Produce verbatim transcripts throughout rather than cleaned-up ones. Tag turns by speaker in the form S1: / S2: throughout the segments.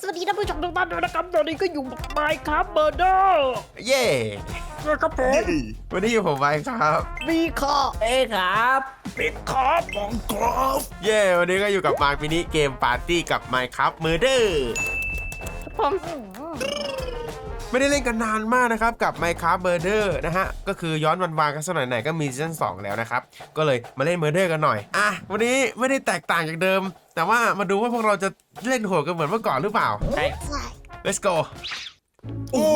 S1: วัสดีท่านผู้ชมทุกท่านด้วยนะครับตอนนี้ก็อยู่กับไมค์ครับเบอร์เดอร์
S2: เย่
S1: ครับผม
S2: วันนี้อยู่ผมไมค์ครับ
S1: มีข้อ
S3: เอ้ครับ
S1: ปิดครับมองกรอบ
S2: เย่วันนี้ก็อยู่กับมาร์คมินิเกมปาร์ตี้กับไมค์ครับเมอร์เดอร์
S1: ผม
S2: ไม่ได้เล่นกันนานมากนะครับกับ Minecraft Murder นะฮะก็คือย้อนวันวานกันสักหน่อยไหนก็มีซีซั่นสองแล้วนะครับก็เลยมาเล่น Murder กันหน่อยอ่ะวันนี้ไม่ได้แตกต่างจากเดิมแต่ว่ามาดูว่าพวกเราจะเล่นโหดกันเหมือนเมื่อก่อนหรือเปล่า
S3: ใช่
S2: let's go
S3: โอ้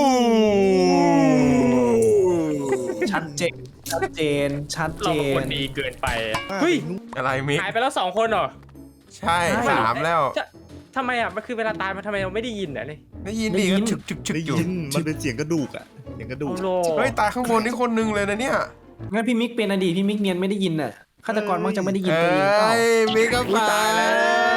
S3: ชัดเจนชัดเจนชัดเจ
S4: เราเป็น
S3: น
S4: คนดีเกินไปเฮ้ย
S2: อะไรมิก
S4: หายไปแล้วสองคนเหรอ
S2: ใช่สามแล้ว
S4: จะทำไมอ่ะมันคือเวลาตายมันทำไมเราไม่ได้ยินอ่ะนี่
S2: ได้ยินดีก็ฉึกฉึกฉึก
S5: ได้
S2: อยู่
S5: ยินมันเป็นเสียงกระดูกอ่ะเสียงกระดูก
S4: โอ้โห
S2: เฮ้ยตายข้างบนนี่คนนึงเลยนะเนี่ย
S3: งั้นพี่มิกเป็นอดีตพี่มิกเนียนไม่ได้ยินน่ะฆาตกรมักจะไม่ได้ยิน
S2: เอ
S3: ตัวเองเปล่า
S2: ้ยมิกก็ตายแล้ว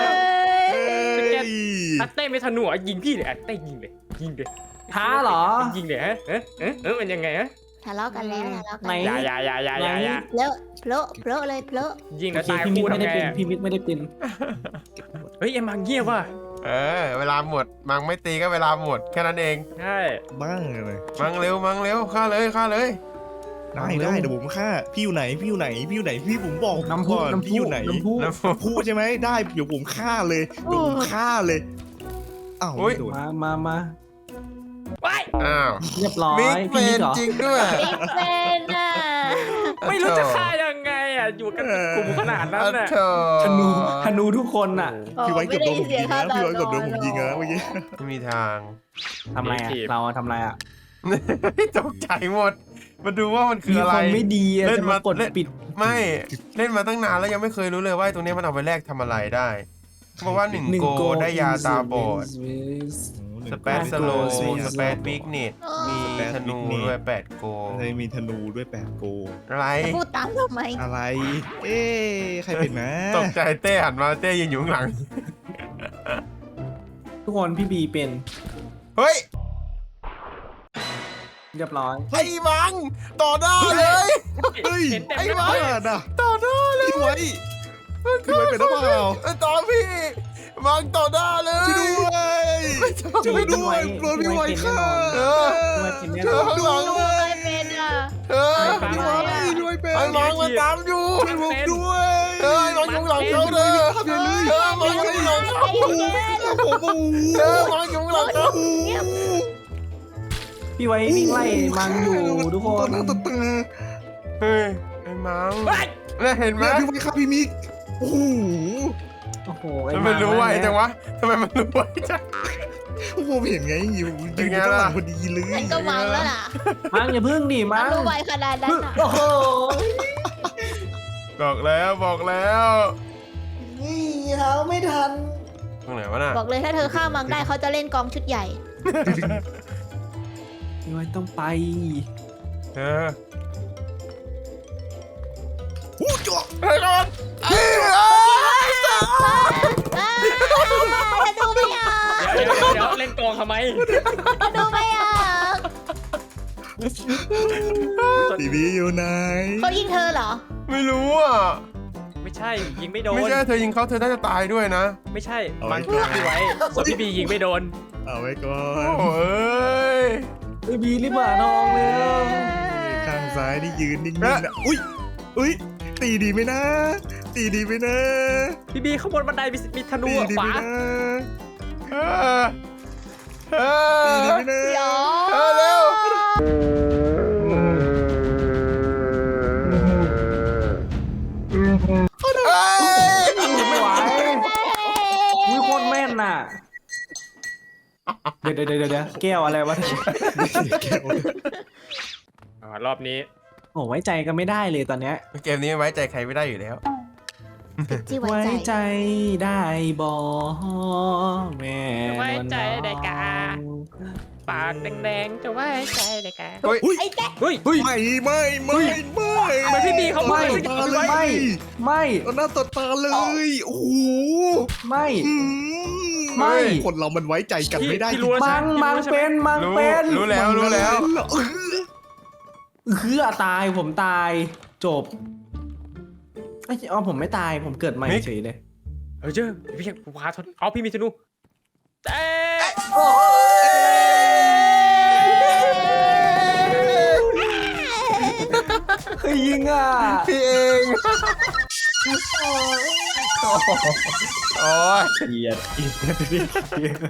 S4: อัตเต้ไม่ธนูอ่ะยิงพี่เลยอัตเต้ยิงเลยยิงเลย
S3: ท้าเหรอ
S4: ยิงเลยฮะเอ๊ะเอ๊ะเอ๊ะมันยังไงฮะ
S1: ทะเลาะกันแล้วทะเลาะกัน
S3: ไหน
S4: อย่าอย่าอย่าอย่าอย่าอย่า
S1: เพลอะเพลอะเพลอะเลยเพลอะ
S4: ยิง
S3: โอ
S4: แล้ว
S3: เค
S4: ตาย
S3: พี่มิก
S4: คู่
S3: ไม่
S4: ทำ
S3: ได้
S4: ไง
S3: เป็น
S4: อะ
S3: พี่มิกไม่ได้เป็น
S4: เฮ้ยเอ็มมังเงียบว่ะ
S2: เออเวลาหมดมังไม่ตีก็เวลาหมดแค่นั้นเอง
S4: ใช่
S5: บ้างเลย
S2: มังเร็วมังเร็วฆ่าเลยฆ่าเลย
S5: ได้ได้เดี๋ยวผมฆ่าพี่อยู่ไหนพี่อยู่ไหนพี่อยู่ไหนพี่ผมบอก
S3: น้ำพุ
S5: ก่อน
S3: น้ำ
S5: พี่
S3: พุ
S5: อยู่ไหน
S3: น้ำพุ
S2: แล้ว
S5: พูดใช่ไหมได้เดี๋ยวผมฆ่าเลยเดี๋ยวผมฆ่าเลยอ้าวไม่โดน
S3: มามามา
S4: ว้าย
S2: อ้าว
S3: เรียบร้อย
S2: มิก
S3: พี่
S2: เป็
S3: มิ
S2: น
S3: กเหรอ
S2: จริงด้วย
S1: บิ๊กเฟนอ่ะ
S4: ไม่รู้จะฆ่ายังไงอ่ะอยู่กันเป็นกลุ่มขนาดนั้นน่ะ
S2: โธ่
S3: ธนูธนูทุกคนน่ะ
S5: พี่ไว้เกือบโดนผมยิงนะพี่ไว้เกือบโดนผมยิงนะเมื่อกี้
S2: ไม่มีทาง
S3: ทำไรอ่ะเราทำไรอ่ะ
S2: ตกใจหมด มาดูว่ามันคือ
S3: มี
S2: อะไร
S3: คนไม่ดีอะ
S2: เล่น
S3: จะ
S2: มา
S3: มากด
S2: เล่น
S3: ปิด
S2: ไม่เล่นมาตั้งนานแล้วยังไม่เคยรู้เลยว่าไอ้ตรงนี้มันเอาไปแลกทำอะไรได้เพราะว่าหนึ่งโกได้ยาตาบอดสเปซสโลสเปซวิกเนตมีธนูด้วยแปดโก
S5: เลยมีธนูด้วยแปดโก
S2: อะไร
S1: จะพูดตามทำไม
S5: อะไร เอ๊ะใครเป็นนะ
S2: ตกใจเต้หันมาเต้ยืนอยู่ข้างหลัง
S3: ทุกคนพี่บีเป็น
S2: เฮ้ย
S3: เรียบร้อย
S2: ไอ้มังต่อหน้าเลย
S5: เฮ้ย
S4: เห็นเต็ม
S5: ไอ้
S4: ไปหม
S5: บ้า
S4: ด
S5: น่ะ
S2: ต่อหน้าเลย
S5: พี่ไว้พี่ไว้เป็นหรือเปล่า
S2: เออต่อพี่มังต่อหน้าเลย
S5: ช่วยด้วยช่วยด้วยโดนพี่ไว้ฆ่า
S2: เออ
S3: ด้วยเป็นแน่
S2: เธ
S3: น
S2: อ
S3: อน
S2: ข้างหลัง
S1: ดูใครเป็นอ่ะ
S2: เออ
S5: พี่ไว้พี่ไว้เป็น
S2: ไอ้มังมันตามอยู่
S5: ช่วยผมด้วย
S2: เออไอ้มังอยู่หลังเขาเลยเออมังอยู่หลังเขา
S5: ผมโอ้
S2: เออมังอยู่หลังเขา
S3: พี่ไว้วิ่งไล่มังอยู่ทุกคน
S5: ตาตาตา
S2: เฮ้ยไอ้มัง
S4: ว้าย
S2: เนี่ยเห็นไหม
S5: เนี่ยพี่ไว้ครับพี่มิกโอ้โห
S3: โอ้โหไอ้
S2: ทำไมรู้ไวจังวะทำไมมันรู้ไวจัง
S5: ผมเห็นไงอยู่
S2: เป็
S5: ยื
S2: น
S5: น
S2: ไง
S5: ข้างห
S2: ล่ะ
S5: ลังพอดีเลย
S1: ฉันก็วางแล้วล่ะ
S3: มังอย่าพึ่งดิมัง
S1: รู้ไวขนาดนั้นอ่ะ
S3: โอ้โห
S2: บอกแล้วบอกแล้ว
S3: นี่เท้าไม่ทัน
S2: ตรงไหนวะน่ะ
S1: บอกเลยถ้าเธอฆ่ามังได้เขาจะเล่นกองชุดใหญ่
S3: พี่ไว้ต้องไป
S2: เออ
S5: หูจ่อ
S2: เฮ้ยก่อนเฮ้ย
S1: ถ้าดูไม่ออก
S4: เดี๋ยวเดี๋ยวเดี๋ยวเล่นกองทำไม
S1: ถ้าดูไม่ออก
S5: ทีวีอยู่ไหน
S1: เขายิงเธอเหรอ
S2: ไม่รู้อ่ะ
S4: ไม่ใช่ยิงไม่โดน
S2: ไม่ใช่เธอยิงเขาเธอน่าจะตายด้วยนะ
S4: ไม่ใช่มันพี่ไว้ส่วนพี่บียิงไม่โดน
S5: เอาไว้ก่อน
S2: โอ้ย
S3: ไอ้บีรีบหาทองเลย
S5: ข้างซ้ายนี่ยืนนิ่งๆนะอุ้ยอุ้ยตีดีไหมนะ ตีดีไหมนะ
S4: พี่บีข้างบนบันไดมีมีธนู
S5: ตี
S4: อะ
S5: ดี
S4: ข
S5: ไหม
S4: วา
S5: นะ
S2: เออเอ
S5: ตีดี
S2: อ
S5: ไหมนะ
S1: เดี๋ยว
S2: เออเร็วเอ้ย
S3: ไม่ไหวมีคนแม่นน่ะ เดี๋ยวเดี๋ยวเดี๋ยวเดี๋ยวแก้วอะไรวะ
S4: อ่ารอบนี้
S3: โอ้ไว้ใจกันไม่ได้เลยตอนเนี้ย
S2: เกมนี้ไว้ใจใครไม่ได้อยู่แล้ว
S1: ที่ไว้
S3: ไว้
S1: ใจ
S3: ใจได้บอแม่
S4: ไว้ใจได้กาปากแดงๆจะไว้ใจได้กา
S5: อุ้ย
S1: ไอ้แจ๊ค
S4: เฮ้ย
S5: ไม่ไม่ไม่ไม่
S4: ทำไมพี่บีเขาไม่
S5: ต่อหน้าต่อตาเลย
S3: ไม่ไม่
S5: ต่อหน้าต่อตาเลยโอ้โห
S3: ไม่
S5: อื
S3: ไม่
S5: คนเรามันไว้ใจกันไม่ได้
S4: พี่รู้แล้ว
S3: มั
S4: ใช่
S3: ง
S4: ไห
S3: มัง
S4: พี่รู้ใช่ไห
S3: เป็นมัง
S2: รู้
S3: เป็น
S2: รู้แล้วรู้แล้ว
S5: เออ
S3: คือตายผมตายจบไอ้อ๋อผมไม่ตายผมเกิดใหม่
S2: มิก
S3: เฉยเลย
S4: เออเจ้าพี่ยังพาทนเอาพี่มีธนูเอ๊ะ
S3: ใครยิงอ่ะ
S2: พี่เองโอ้ย
S3: เกลียดเกลียด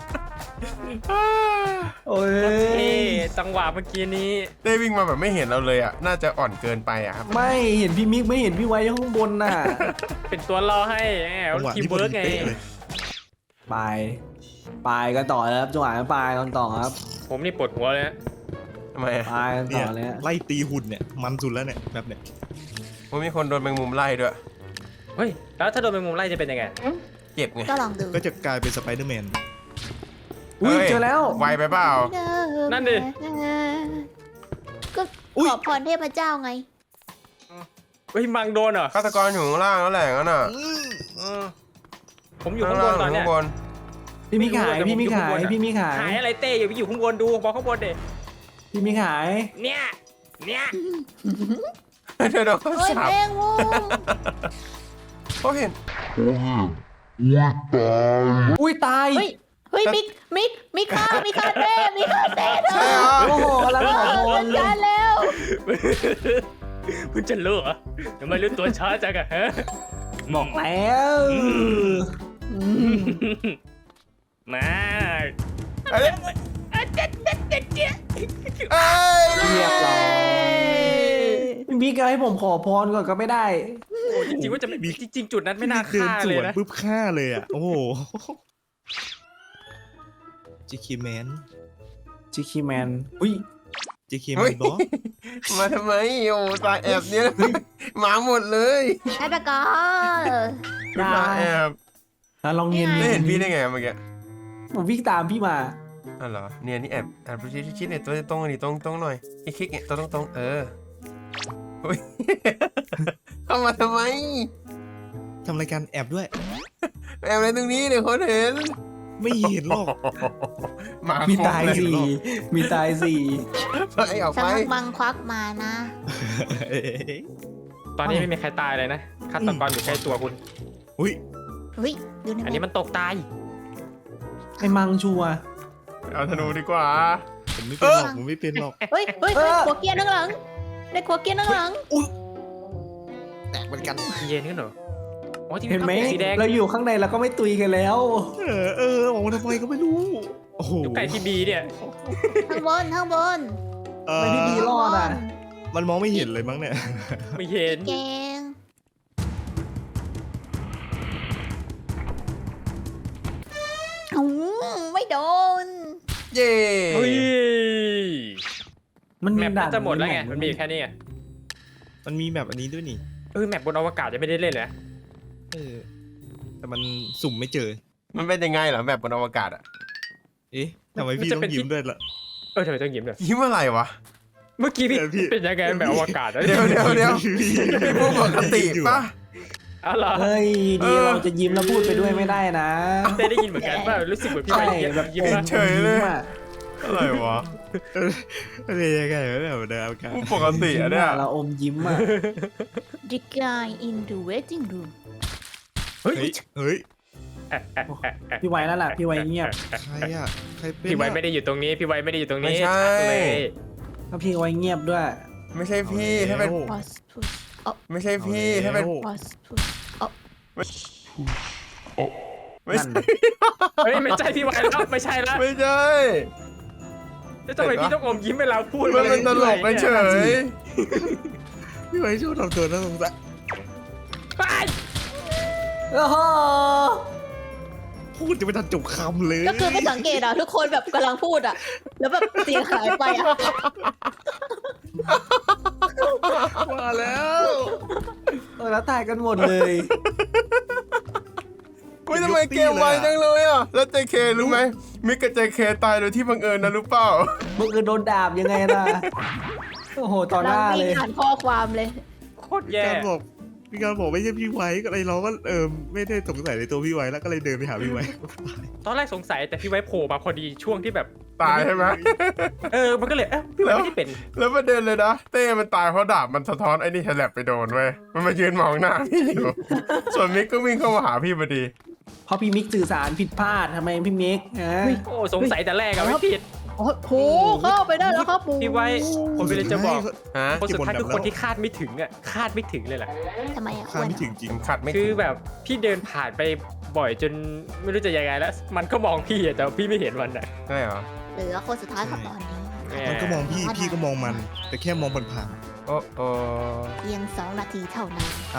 S3: โอ้ย
S4: เอ๊ะจังหวะเมื่อกี้นี้
S2: ได้วิ่งมาแบบไม่เห็นเราเลยอ่ะน่าจะอ่อนเกินไปอ่ะครับ
S3: ไม่เห็นพี่มิกไม่เห็นพี่ไว้ข้างบนน่ะ
S4: เป็นตัวรอให้แหม
S5: จังหวะ
S4: ทีม
S5: ที่พอ
S4: เวิร์ก
S5: ดี
S4: ไง
S5: เป๊ะเลย
S3: ปลายปลายกันต่อแล้วครับจังหวะนั้นปลายกันต่อครับ
S4: ผมนี่ปวดหัวเลยนะ
S2: ทำไมอ่ะ
S3: ปลายกัน
S5: เนี่
S3: ต่
S5: ย
S3: อเลยฮะ
S5: ไล่ตีหุ่นเนี่ยมันสุดแล้วเนี่ยแบบเนี้ย
S2: ผมมีคนโดนแมงมุมไล่ด้วย
S4: เฮ้ยแล้วถ้าโดนแมงมุมไล่จะเป็นยังไง
S2: เจ็บไง
S6: ก็ลองดู
S5: ก็จะกลายเป็นสไปเดอร์แมน
S3: อุ้ย
S2: ฮ้
S3: เจอแล้ว
S2: ไวไปเปล่า
S4: นั่นดิ
S6: ก็
S5: อุ๊ย
S6: ขอพรเทพเจ้าไง
S4: เฮ้ยมังโดนเหรอ
S2: ฆาตกรอยู่ข้างล่างแล้วแหละงั้นน่ะ
S4: ผมอยู่ข้างบนตอนเนี้ย
S2: ข้างบน
S3: พี่มิกหายพี่มิกหายพี่มิกหาย
S4: หายอะไรเต้อยู่อยู่ข้างบนดูบอกข้างบนเด็
S3: พี่มิกหาย
S4: เนี่ยเนี่ย
S2: เธอโดน
S6: เฮ้ย
S2: สับ
S6: แมงมุม
S2: เขาเห็น
S3: อุ้ยตาย
S6: เฮ้ยเฮ้ยมิกมิกมิกฆ่ามิกฆ่าเต้มิกฆ่าเต้เธ
S2: ใช่
S6: อ
S2: เหรอ
S3: โอ้โหกำลัง
S6: เอ
S3: ขอ
S6: อ
S3: พ
S6: จั
S3: ร
S6: ด
S3: เล
S6: กาย รแล้ว
S4: คุณจะรู้เหรอทำไมรู้ตัวช้าจังอะฮะ
S3: บอกแล้ว
S4: มา
S2: เอ้ยเอ้ย
S3: เรียบร้อยพี่มิกให้ผมขอพรก่อนก็ไม่ได้
S4: โอ้จริงๆว่าจะไม่จริงๆจุดนั้นไม่น่า
S5: เดิน
S4: ฆ่า
S5: ส
S4: เลย
S5: วน
S4: นะ
S5: ปุ๊บฆ่าเลยอ่ะ โอ้โหจิคิแมน
S3: จิคิแมนอุ้ย
S5: จิคิแม
S2: เฮ้ย
S5: นบอส
S2: มาทำไมโอ้ตายแอบเนี่ยหมาหมดเลย
S6: ฆาตกร
S2: มาแอบ
S3: แล้วลองเนียน
S2: ได้เห็นพี่ได้ไงเมื่อกี้
S3: ผมวิ่งตามพี่มา
S2: อ๋อเหรอเนี่ยนี่แอบแอบชิดชิดเนี่ยตัวตรงนี่ตรงตรงหน่อยคลิกคลิกเนี่ยตัวตรงตรงเออเฮ้ย เข้ามาทำไม
S5: ทำรายการแอบด้วย
S2: แอบอะไรตรงนี้เดี๋ยวคนเห็น
S5: ไม่เห็นหรอก
S2: หมา
S3: มี
S2: ครบ
S3: ตาย
S2: เลย
S3: สี่มีตายสี่
S2: ไปออก
S6: สัก
S2: ไป
S6: พักบังควักมานะ
S5: เอ้ย
S4: ตอนนี้ไม่มีใครตายเลยนะฆาตกรอยู่ใกล้ตัวคุณ
S5: อุ้ย
S6: เฮ้ยดูใน
S4: อันนี้มันตกตาย
S3: ไอ้มังชัวร์
S2: เอาธนูดีกว่า
S5: ผมไม่เป็นหรอกผมไม่เป็นหรอก
S6: เฮ้ยเฮ้ยเฮ้ยขัวเกียร์นั่งหลังได้ขัวเกียร์นั่งหลัง
S5: แตกเหมือนกัน
S4: เย็นขึ้นเหรออ๋อที่
S3: เห็นไหม
S4: ข้าวสีแดง
S3: เราอยู่ข้างในเราก็ไม่ตุยกันแล้ว
S5: เออเออออกมาทำไมก็ไม่รู้ โอ้โห
S4: อยู่ไก่ที่บีเนี่ย
S6: ข้างบนข้างบน
S5: เอ
S3: ไม่ได้ดี
S5: อ
S3: รอดอ่ะ
S5: มันมองไม่เห็นเลยมั้งเนี่ย
S4: ไม่เห็น
S6: เกงอืมไม่โดน
S2: เย้
S4: เฮ้ย
S3: มัน
S4: แม
S3: มี
S4: ป
S3: ด่า
S4: น่าน จะหมดแล้วไง
S3: แ
S4: มันมีอยู่แค่นี้ไง
S5: มันมีแบบอันนี้ด้วยนี่
S4: เออแมปบนอวกาศจะไม่ได้เล่นเลยนะ
S5: เออ แต่มันสุ่มไม่เจอ
S2: มันเป็นยังไงเหรอแบบบนอวกาศอะ
S5: เอ๊ะทำไมพี่ต้องยิ้มด้วยล่ะ
S4: เออทำไมต้องยิ้มด้วย
S2: ยิ้มอะไรวะ
S4: เมื่อกี้พี่
S5: เออพี่
S4: เป็นยังไงแบบอวกาศนะ
S2: เดี๋ยวเดี๋ยวเดี๋ยวพี่พูดปกติป่ะ
S4: อ๋อเหรอ
S3: เฮ้ย
S2: เอ
S3: ดี
S2: อ
S3: เราจะยิ้มแล้วพูดไปด้วยไม่ได้นะ
S4: เต้ได้ยินเหมือนกันว่ารู้สึกเหมือนพี่
S3: ใช่
S4: ไปยิ้ม
S3: แบบ
S4: ยิ้ม
S3: อ
S4: มาม
S2: เฉยเลย
S3: ยิ้มอะ
S2: อะไรวะ
S5: อะไรยังไงวะแบบเดิมกัน
S2: พูดปกติอะเนี่ย
S3: เราอมยิ้มอ่ะ
S6: The guy in the waiting room
S5: เฮ้ย เฮ้ย
S3: พี่ไว้นั่นแหละพี่ไว้เงียบ
S5: ใครอ่ะ ใครเป็น
S4: พี่ไวไม่
S5: อะ
S4: ได้อยู่ตรงนี้ พี่ไวไม่ได้อยู่ตรงนี้
S2: ไม่ใช่
S4: ชัดเลย
S3: ถ้าพี่ไว้เงียบด้วย
S2: ไม่ใช่พี่ถ้าเป็น
S6: was push
S2: ไม่ใช่พี่ถ้าเป็น
S6: was push
S2: ไม่
S3: นั่น
S2: ใช่
S4: เฮ้ยไม่ใช่พี่ไวแล้วไม่ใช่แล้ว
S2: ไม่ใช่
S4: แล้วทำไมพี่ต้องอมยิ้มเวลาพูด
S2: มันเป็นตลกไปเฉย
S5: พี่ไว้ชอบทำตัวน่าสงสาร
S4: ไป
S3: โอ้โห
S5: พูดจะไม่ทันจบคำเลย
S6: ก็คือไม่สังเกตอ่ะ ทุกคนแบบกำลังพูดอ่ะ แล้วแบบเสียงหายไปอ่ะ
S5: มาแล้ว
S3: เออแล้วตายกันหมดเลย
S2: ไม่ทำไมเกมไวจังเลยอ่ะ แล้วเจเครู้ไหมมิกกับเจเคตายโดยที่บังเอิญนะรู้เปล่า
S3: มึงคือโดนดาบยังไงล่ะ โอ้โหต่อห
S6: เรา
S3: น้า
S6: วิ่
S3: เล
S6: ง
S3: ย
S6: อ่านข้อความเลย
S4: โคตรแย่
S5: การบอกพี่การบอกไม่ใช่พี่ไว้ก็เลยเราก็เออไม่ได้สงสัยในตัวพี่ไว้แล้วก็เลยเดินไปหาพี่ไว้
S4: ตอนแรกสงสัยแต่พี่ไวโผล่มาพอดีช่วงที่แบบ
S2: ตายใช่ไหม
S4: เออมันก็เลยเอ๊ะพี่ไวไม่ได้เป็น
S2: แล้วประเด็นเลยนะ เต้มันตายเพราะดาบมันสะท้อนไอ้นี่แฉลบไปโดนเว้ยมันมายืนมองหน้าพี่อยู่ ส่วนมิกก็วิ่งเข้ามาหาพี่พอดี
S3: เพราะพี่มิกสื่อสารผิดพลาดทำไมพี่มิกฮะ
S4: โอ้สงสัยแต่แรกอะไม่ผิด
S6: โอ้โหเข้าไปได้แล้วครับปู
S4: พี่ไว้ผมเลยจะบอก
S2: ฮะ
S4: คนสุดท้ายคือคนที่คาดไม่ถึงอะคาดไม่ถึงเลยแหละ
S6: ทำไมอ่ะ
S5: ข้ามไม่ถึงจริง
S2: ขัดไม่
S4: คื
S2: ถึ
S4: อง แบบพี่เดินผ่านไปบ่อยจนไม่รู้จะยังไงแล้ว มันก็มองพี่อะแต่พี่ไม่เห็นมันอะ
S2: ใช่เหรอ
S6: เหลือคนสุดท้ายครับตอนนี้
S5: มันก็มองพี่พี่ก็มองมัน แต่แค่มองผ่าน
S2: โอ้โอ้
S6: เพียงสองนาทีเท่านั้น
S5: ๆอ้าว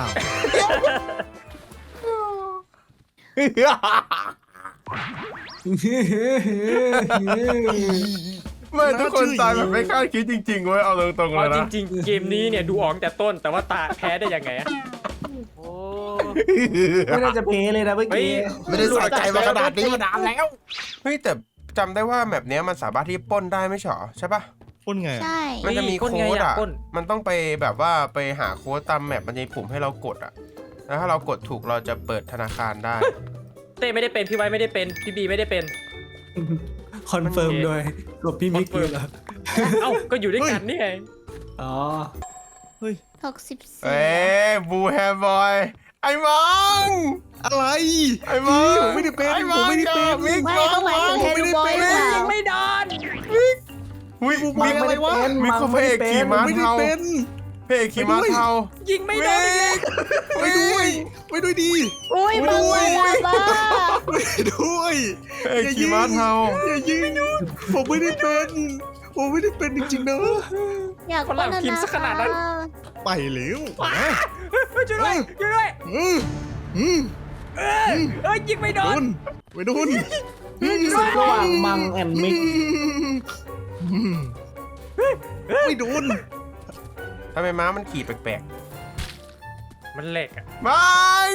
S2: ไม่ทุกคนตายแบบไม่คาดคิดจริงๆเว้ยเอาตรงๆเล
S4: เอา
S2: ย
S4: จ
S2: นะ
S4: ริงๆ เกมนี้เนี่ยดูออกแต่ต้นแต่ว่าตาแพ้ได้ยังไงอะโอ้
S3: ไม่น่าจะเพเลยนะเมื่อ
S4: เฮ้ย
S3: กี้
S2: ไม่ได้ใส่ใจมาขนาดนี้มานานแล้วเฮ้ยแต่จำได้ว่าแบบเนี้ยมันสามารถที่ปล้นได้ไม่ใช่หรอใช่ปะ
S5: พ่นไง
S6: ใช่
S2: มันจะมี
S4: ปล้น
S2: โค้
S4: ไง
S2: ด
S4: อะ
S2: อ่ะ
S4: ปล้น
S2: มันต้องไปแบบว่าไปหาโค้ดตามแมปมันจะมีปุ่มให้เรากดอ่ะแล้วถ้าเรากดถูกเราจะเปิดธนาคารได้
S4: เต้ไม่ได้เป็นพี่ไว้ไม่ได้เป็นพี่บีไม่ได้เป็น
S3: คอนเฟิร์มโดยกับพี่มิกเลยเหรอ
S4: เอ้าก็อยู่ด้วยกันนี่ไง
S3: อ๋อ
S6: หกสิบสี่
S2: เอ้ยบูแฮร์บอยไอ้มัง
S5: อะไร
S2: ไอ้มัง
S5: ผมไม่ได้เป็น
S2: อ้
S5: ผมไม่ได้เป็น
S2: มิก
S6: ไม่
S2: มัง
S6: เขาหมายถึงเฮดูบอยหรือเปล่า
S4: ยิงไม่โดน
S2: อุ้ย
S5: มั
S2: มิ
S5: ง
S2: ก
S5: อะไรวะ
S2: มิกเขาพระเอกขี่ม้า
S5: ไม่ได้
S2: เทา
S5: เป็น
S2: พระเอกขี่ม้าเทา
S4: ยิงไม่โดนอีกแล้ว
S5: ไปด้วยไปด้วยดี
S6: อุ้ย
S5: ไม่
S6: มึง
S5: ด้วย
S6: บ้าบ้า
S5: ไปด้วย
S2: พระเอกขี่ม้าเทา
S5: อย่ายิงผมไม่ได้เป็นผมไม่ได้เป็นจริงๆนะ
S6: อยาก
S4: คนเราพิมพ์ซะขนาดนั้น
S5: ไปแล้ว
S4: ช่วยด้วยช่วยด้วย
S5: อืมอืม
S4: เอ้ยเอ้ยยิงไม่โด
S5: โด
S4: น
S5: นไปโดน
S3: ศึกระหว่างมังแอนมิก
S5: อืมไม่โดน
S2: ทำไมม้ามันขี่แปลก
S4: มันเหล็กอะ
S2: ๆมัง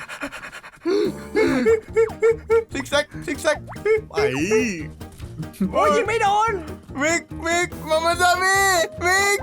S2: ซิกแซกซิกแซก
S5: ไป
S4: โอ้ยยิงไม่โดน
S2: มิกมิกมามาจามิมิก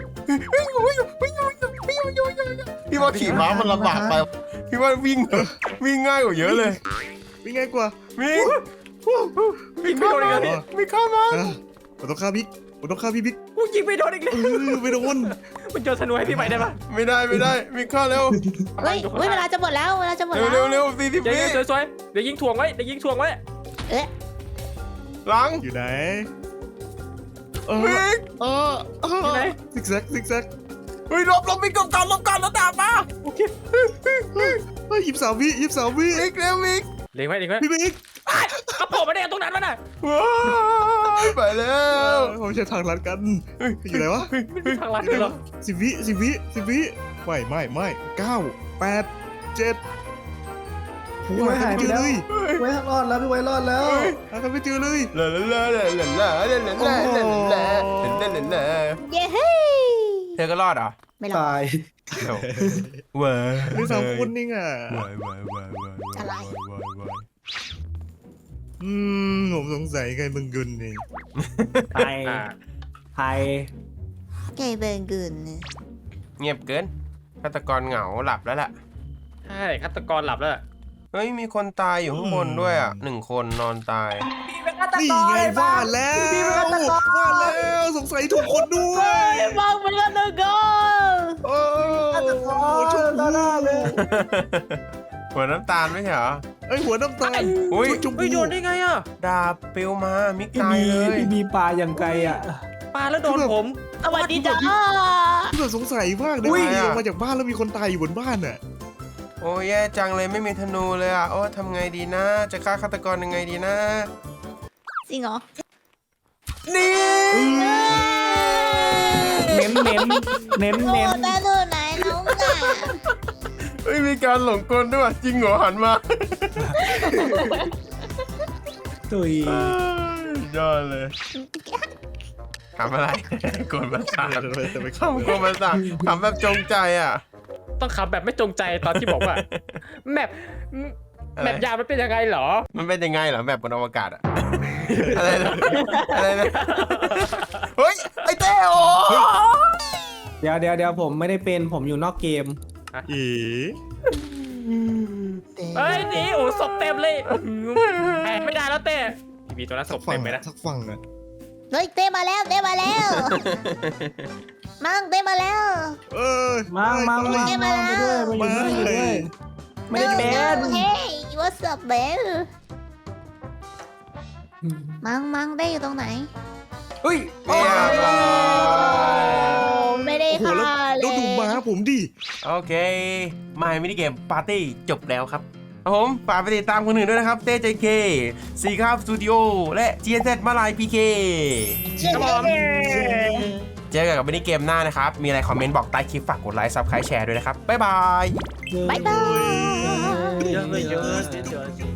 S2: พี่ว่าขี่ม้ามันลำบากไปพี่ว่าวิ่งวิ่งง่ายกว่าเยอะเลย
S5: เป็นไงกว่า
S2: มิก
S4: ยิงไม่โดนอีกแล้วพี่
S2: มิกเข้ามา
S5: อ่ะผมต้องฆ่าบิ๊กผมต้องฆ่าพี่บิ๊ก
S4: กูยิงไม่โดนอีกแล้ว
S5: เออไม่โดน
S4: มันโยนธนูให้พี่ใหม่ได้ปะ
S2: ไม่ได้ไม่ได้มิกเข้าเร็ว
S6: เฮ้ยเฮ้ยเวลาจะหมดแล้วเวลาจะหมด
S2: เร็ว
S6: แล้ว
S2: เร็วเร็วสี่สิบ
S4: เดี๋ยว
S2: วิ
S4: เดี๋ยวสวยๆเดี๋ยวยิงถ่วงไว้เดี๋ยวยิงถ่วงไว้
S6: เอ๊ะ
S2: หลัง
S5: อยู่ไหนเออ
S2: มิก
S5: เออเออ
S4: อยู่ไหน
S5: ซิกแซกซิกแซก
S2: เฮ้ยลบลบมิกกบกันลบกันแล้วดาบมา
S4: โอเค
S5: เฮ้ยยิบสามวิยิบสามวิ
S2: มิกเร็วมิก
S4: เล็งไว้เล็งไว้
S5: พี่บิ๊ก
S4: เขาโผล่มาได้ยังตรงนั้นวะน่ะ
S2: ว้ายไปแล้
S5: เอ
S2: ว
S5: อผมใช้ทางลัดกันอยู่ไหนวะ
S4: ไม่มีทางลัดเลยเหรอ
S5: สิบวิสิบวิสิบวิไม่ไม่ไม่เก้าแปดเจ็ดโอ้ยหายไปเลย
S3: ไว้รอดแล้วพี่ไว้รอดแล้ว
S5: หากันไม่เจอเลย
S2: ลาลาลาลาลาลาลาลาลาลาลาลาลาลาลา
S6: เย้เฮ้ย
S2: เธอก็รอดเหรอ
S6: ไม่หรอก
S3: ตาย
S2: ว้า
S5: มีสามคนนี่อ่ะ
S2: ว้ายว้ายว้ายว้าย
S6: อะไร
S2: ว้ายว้าย
S5: อืมผมสงสัยใครมึงกุนนี่
S3: ไทย
S4: อ่า
S3: ไทย
S6: ไก่เบิร์นกุน
S2: เงียบเกินฆาตกรเหงาหลับแล้วล่ะ
S4: ใช่ฆาตกรหลับแล้วล่ะ
S2: เฮ้ยมีคนตายอยู่ข้างบนด้วยอ่ะหนึ่งคนนอนตาย
S5: นี่ไงว่าแล้วว่าแล้วสงสัยถูกคนด้วย
S6: มองมันก็ตึกก็
S5: โอ้โหชมพู
S2: หัวน้ำตาลไม่ใช่เหรอ
S5: ไอยหัวน้ำตาล
S2: อุ้ย
S5: ชมพู
S4: เฮ้ยโดนได้ไงอ่ะ
S2: ดาบปลิวมามิก
S3: พี่
S2: ตาย
S3: บี
S2: เลย
S3: พี่บีปลาอย่างไกลอ่ะ
S4: ปาแล้วโดนผม
S6: สวัสดีจ้า
S5: ที่แบบสงสัยมากเลยลงมาจากบ้านแล้วมีคนตายอยู่บนบ้านน่ะ
S2: โอ้ยแย่จังเลยไม่มีธนูเลยอ่ะโอ้ทำไงดีนะ จะฆ่าฆาตกรยังไงดีนะ
S6: จริงเหรอ
S2: นี่
S3: เน้นเน้นเน้น
S6: โอ้
S3: เน้น
S6: แต่ดูไหนน้องน่ะ
S2: เฮ้ยมีการหลงกลด้วยว่ะจริงเหรอหันมา
S3: ตุย
S2: ยอดเลยทำอะไรกวนประสาท
S5: แต่ไป
S2: ทำกวนประสาททำแบบจงใจอ่ะ
S4: ต้องขับแบบไม่จงใจตอนที่บอกว่า แมป
S2: อะไร
S4: แมปยาวมันเป็นยังไงเหรอ
S2: มันเป็นยังไงเหรอแบบบนอวกาศอะ อะไรนะอะไรนะเฮ้ยไอเต้โอ
S3: เดี๋ยวเดี๋ยวเดี๋ยวผมไม่ได้เป็นผมอยู่นอกเกม
S5: เอ๋
S4: เฮ้ยหนี่โอ้ศพเต็มเลยแอบไม่ได้แล้วเต้มีตัวนั้นศ
S5: สัก
S4: พ
S5: ฝั่
S4: เต็
S5: ง
S4: มไป
S5: อะ
S4: นะ
S5: สักฝั่งอะ
S6: เฮ้ยเต้มาแล้วเต้มาแล้วมั่งเต้มาแล้ว
S5: เออ
S3: มังมังมัง
S6: เกม
S3: มั
S6: มาง แล้ว
S3: ไปด้วยมาอยู่ด้วยอยู่ด้วยไม่ได้เป็น
S6: เฮ้ย you are What's up man มังมังได้อยู่ตรงไหน
S2: เฮ้ยเรียบร้อย
S6: ไม่ได้
S5: โอ้โห
S6: ค่ะ
S5: แล้ว
S6: เล
S5: แล้วดูม้าย ผมดิ
S2: โอเคมามินิเกมปาร์ตี้จบแล้วครับครับผมฝากไปติดตามคนอื่นด้วยนะครับเต้เจเคซีคาบสตูดิโอและ จี เอส เอส มาลายพีเค
S4: ครับผม
S2: เจอกันกับมินิเกมหน้านะครับ มีอะไรคอมเมนต์บอกใต้คลิปฝากกดไลค์ซับสไครต์แชร์ด้วยนะครับ บ๊ายบาย
S6: บ๊ายบาย
S4: เยอะเลยเยอะเยอะ